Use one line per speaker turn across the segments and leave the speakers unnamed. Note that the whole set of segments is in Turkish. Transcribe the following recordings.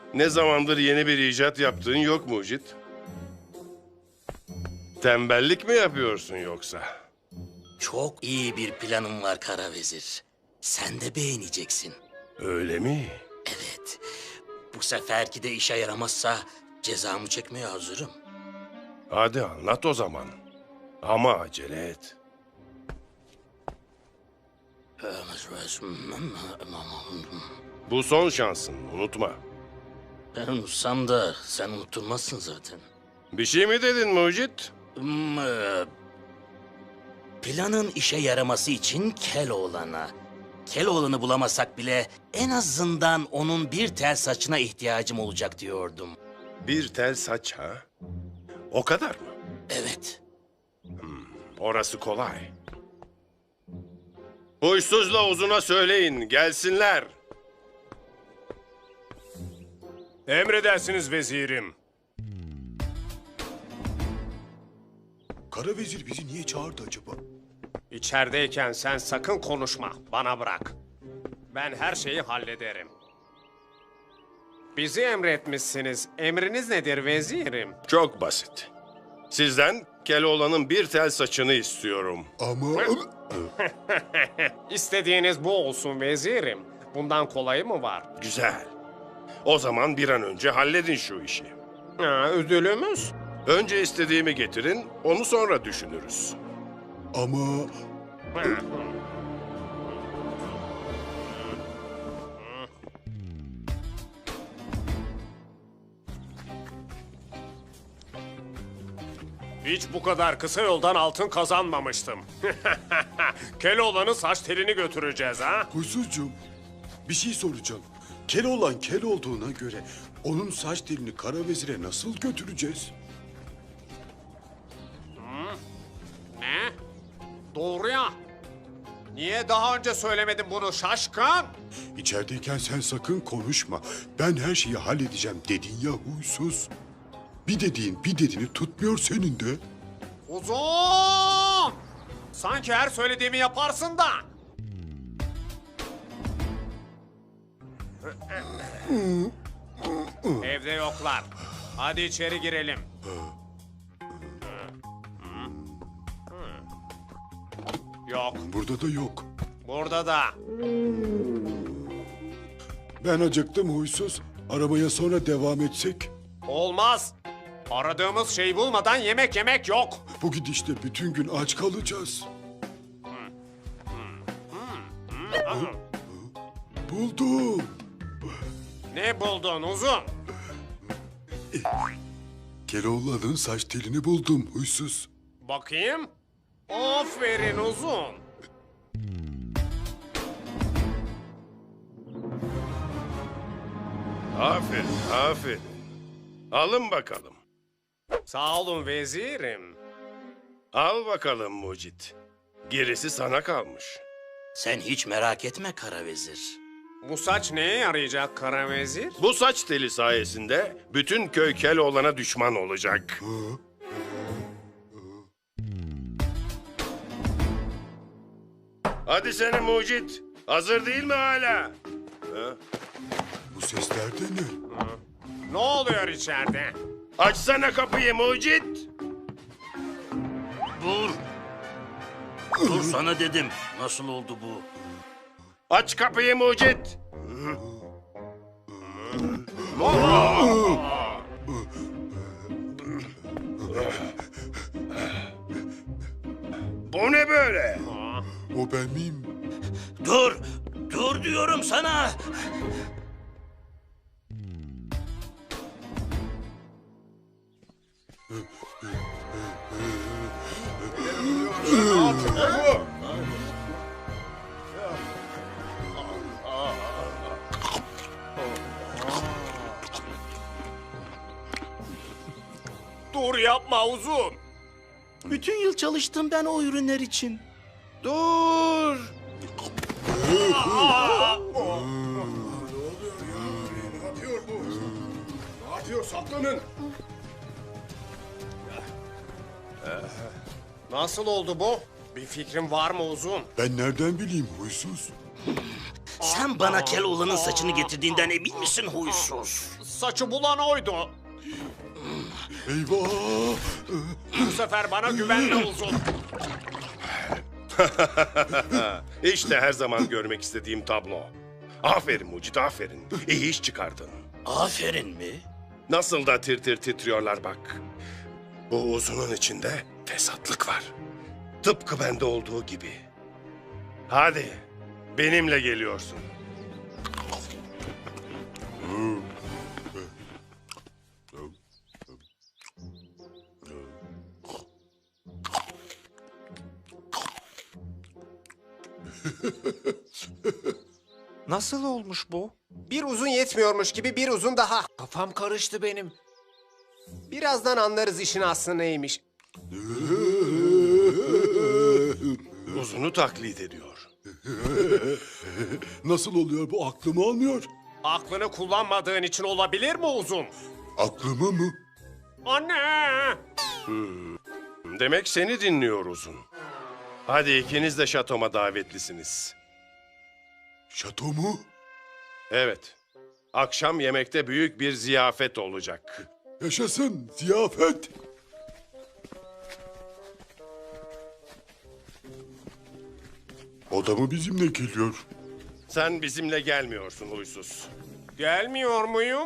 Ne zamandır yeni bir icat yaptığın yok Mucit? Tembellik mi yapıyorsun yoksa?
Çok iyi bir planım var Kara Vezir. Sen de beğeneceksin.
Öyle mi?
Evet. Bu seferki de işe yaramazsa cezamı çekmeye hazırım.
Hadi anlat o zaman. Ama acele et. Bu son şansın, unutma.
Ben unutsam da sen unutturmazsın zaten.
Bir şey mi dedin Mucit?
Planın işe yaraması için Keloğlan'a. Keloğlan'ı bulamasak bile en azından onun bir tel saçına ihtiyacım olacak diyordum.
Bir tel saç ha? O kadar mı?
Evet.
Orası kolay. Huysuzla Uzun'a söyleyin, gelsinler.
Emredersiniz vezirim.
Kara vezir bizi niye çağırdı acaba?
İçerideyken sen sakın konuşma. Bana bırak. Ben her şeyi hallederim. Bizi emretmişsiniz. Emriniz nedir vezirim?
Çok basit. Sizden Keloğlan'ın bir tel saçını istiyorum.
Ama...
İstediğiniz bu olsun vezirim. Bundan kolayı mı var?
Güzel. O zaman bir an önce halledin şu işi.
Ha, ödülümüz?
Önce istediğimi getirin, onu sonra düşünürüz.
Ama...
Hiç bu kadar kısa yoldan altın kazanmamıştım. Keloğlan'ın saç telini götüreceğiz ha?
Huysuzcuğum, bir şey soracağım. Kel olan kel olduğuna göre onun saç telini kara vezire nasıl götüreceğiz?
Ne? Doğru ya. Niye daha önce söylemedin bunu şaşkın?
İçerideyken sen sakın konuşma. Ben her şeyi halledeceğim dedin ya huysuz. Bir dediğini tutmuyor senin de.
Uzun! Sanki her söylediğimi yaparsın da. Evde yoklar. Hadi içeri girelim. Yok,
Burada da yok.
burada da.
Ben acıktım huysuz. Aramaya sonra devam etsek.
Olmaz. Aradığımız şeyi bulmadan yemek yemek yok.
Bu gidişle bütün gün aç kalacağız. Buldum.
Ne buldun uzun?
Keloğlan'ın saç telini buldum huysuz.
Bakayım. Aferin uzun.
Aferin, aferin. Alın bakalım.
Sağ olun vezirim.
Al bakalım Mucit. Gerisi sana kalmış.
Sen hiç merak etme Kara Vezir.
Bu saç neye yarayacak kara vezir?
Bu saç teli sayesinde bütün köy Keloğlan'a düşman olacak. Hadi seni Mucit. Hazır değil mi hala?
Bu sesler de ne?
Ne oluyor içeride?
Açsana kapıyı Mucit.
Dur. Dur sana dedim. Nasıl oldu bu?
Aç kapıyı Mucit. Bu ne böyle?
O ben miyim?
Dur. Dur diyorum sana.
Dur yapma uzun.
Bütün yıl çalıştım ben o ürünler için.
Dur.
Nasıl oldu bu? Bir fikrin var mı uzun?
Ben nereden bileyim huysuz?
Sen bana Keloğlan'ın saçını getirdiğinden emin misin huysuz?
Saçı bulan oydu.
Eyvah!
Bu sefer bana güvenme Uzun.
İşte her zaman görmek istediğim tablo. Aferin Mucit, aferin. İyi iş çıkardın.
Aferin mi?
Nasıl da tir tir titriyorlar bak. Bu uzunun içinde fesatlık var. Tıpkı bende olduğu gibi. Hadi, benimle geliyorsun.
Nasıl olmuş bu?
Bir uzun yetmiyormuş gibi bir uzun daha.
Kafam karıştı benim.
Birazdan anlarız işin aslı neymiş.
Uzunu taklit ediyor.
Nasıl oluyor bu, aklımı almıyor?
Aklını kullanmadığın için olabilir mi Uzun?
Aklımı mı?
Anne!
Demek seni dinliyor uzun. Hadi ikiniz de şatoma davetlisiniz.
Şato mu?
Evet. Akşam yemekte büyük bir ziyafet olacak.
Yaşasın ziyafet. O da mı bizimle geliyor?
Sen bizimle gelmiyorsun huysuz.
Gelmiyor muyum?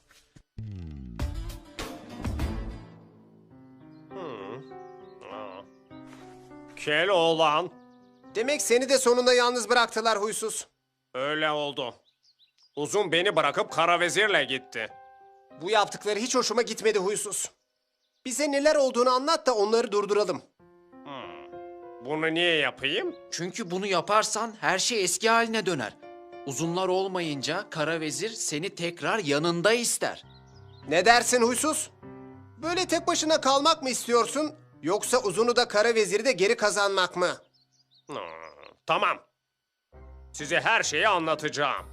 Keloğlan.
Demek seni de sonunda yalnız bıraktılar huysuz.
Öyle oldu. Uzun beni bırakıp kara vezirle gitti.
Bu yaptıkları hiç hoşuma gitmedi huysuz. Bize neler olduğunu anlat da onları durduralım.
Bunu niye yapayım?
Çünkü bunu yaparsan her şey eski haline döner. Uzunlar olmayınca Kara Vezir seni tekrar yanında ister.
Ne dersin huysuz? Böyle tek başına kalmak mı istiyorsun? Yoksa uzunu da kara veziri de geri kazanmak mı?
Tamam. Size her şeyi anlatacağım.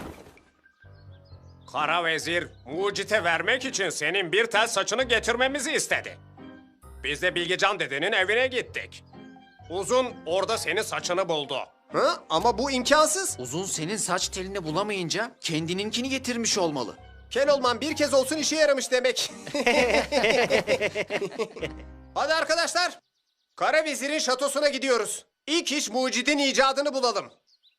Kara vezir Mucit'e vermek için senin bir tel saçını getirmemizi istedi. Biz de Bilgecan dedenin evine gittik. Uzun orada senin saçını buldu.
Ha? Ama bu imkansız.
Uzun senin saç telini bulamayınca kendininkini getirmiş olmalı.
Keloğlan bir kez olsun işe yaramış demek. Hadi arkadaşlar. Kara vezirin şatosuna gidiyoruz. İlk iş mucidin icadını bulalım.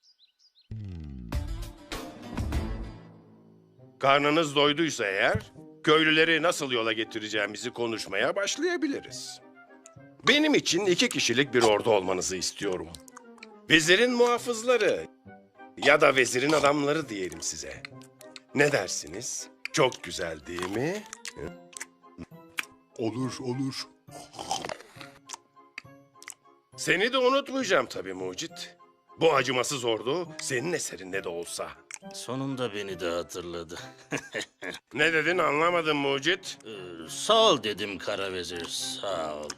Karnınız doyduysa eğer, köylüleri nasıl yola getireceğimizi konuşmaya başlayabiliriz. Benim için 2 kişilik bir ordu olmanızı istiyorum. Vezirin muhafızları ya da vezirin adamları diyelim size. Ne dersiniz? Çok güzel değil mi?
Olur, olur.
Seni de unutmayacağım tabii Mucit. Bu acımasız ordu senin eserinde de olsa.
Sonunda beni de hatırladı.
Ne dedin anlamadım Mucit.
Sağ ol dedim Kara Vezir, sağ ol.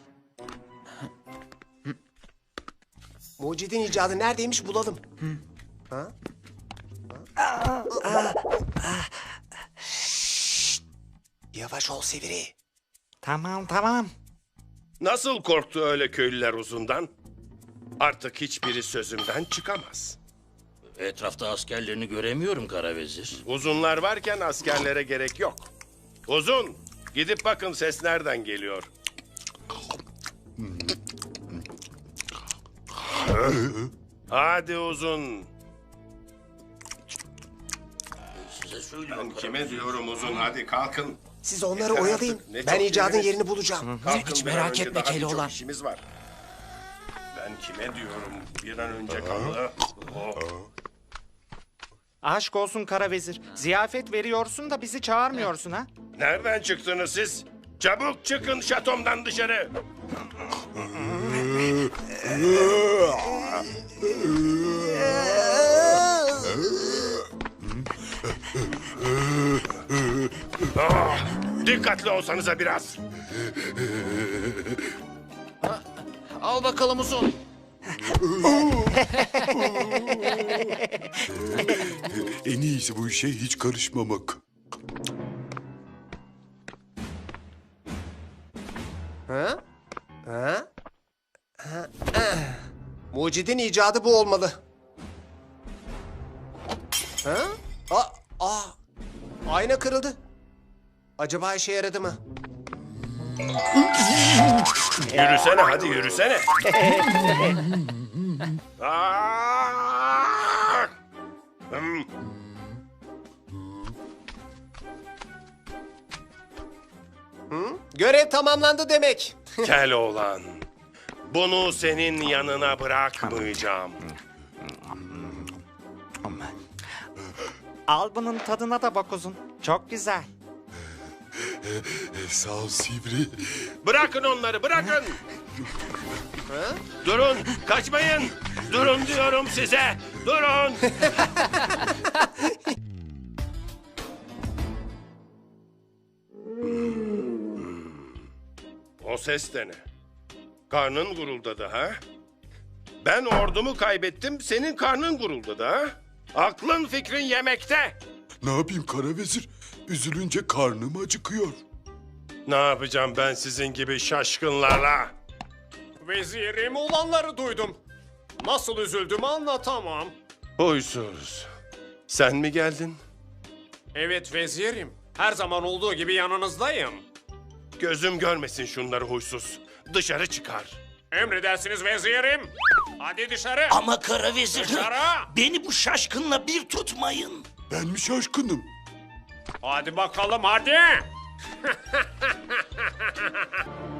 Mucidin icadı neredeymiş bulalım. Şşt! Yavaş ol Sivri.
Tamam.
Nasıl korktu öyle köylüler uzundan? Artık hiçbiri sözümden çıkamaz.
Etrafta askerlerini göremiyorum Kara Vezir.
Uzunlar varken askerlere gerek yok. Uzun, gidip bakın ses nereden geliyor. Hadi uzun.
Size söylüyorum
Ben
Kara
kime
Vezir.
diyorum uzun, hadi kalkın.
Siz onları
Yeter
oyalayın.
artık, ne
Ben
çok
icadın
şeyiniz.
yerini bulacağım.
Kalkın
Hiç
bir an
merak
önce,
etme
daha birçok
Keloğlan.
işimiz var. Ben kime diyorum, bir an önce kaldı. Oh.
Aşk olsun Kara Vezir. Ziyafet veriyorsun da bizi çağırmıyorsun ha?
Nereden çıktınız siz? Çabuk çıkın şatomdan dışarı. Dikkatli olsanıza biraz.
Al bakalım Uzun.
En iyisi bu işe hiç karışmamak.
Ha? Ha? Ha? Mucidin icadı bu olmalı. Ha? Aa, ayna kırıldı. Acaba işe yaradı mı?
Yürüsene hadi yürüsene. Aa! Hmm.
Görev tamamlandı demek.
Keloğlan. Bunu senin yanına bırakmayacağım.
Al bunun tadına da bak uzun. Çok güzel.
Sağ ol Sivri.
Bırakın onları bırakın. Durun kaçmayın. Durun diyorum size. Durun. O ses de ne? Karnın guruldadı ha? Ben ordumu kaybettim, senin karnın guruldadı ha? Aklın fikrin yemekte.
Ne yapayım kara vezir? Üzülünce karnım acıkıyor.
Ne yapacağım ben sizin gibi şaşkınlarla?
Vezirim, olanları duydum. Nasıl üzüldüğümü anlatamam.
Huysuz. Sen mi geldin?
Evet vezirim. Her zaman olduğu gibi yanınızdayım.
Gözüm görmesin şunları huysuz. Dışarı çıkar.
Emredersiniz vezirim. Hadi dışarı.
Ama kara vezir,
Dışarı.
beni bu şaşkınla bir tutmayın.
Ben mi şaşkınım?
Hadi bakalım hadi.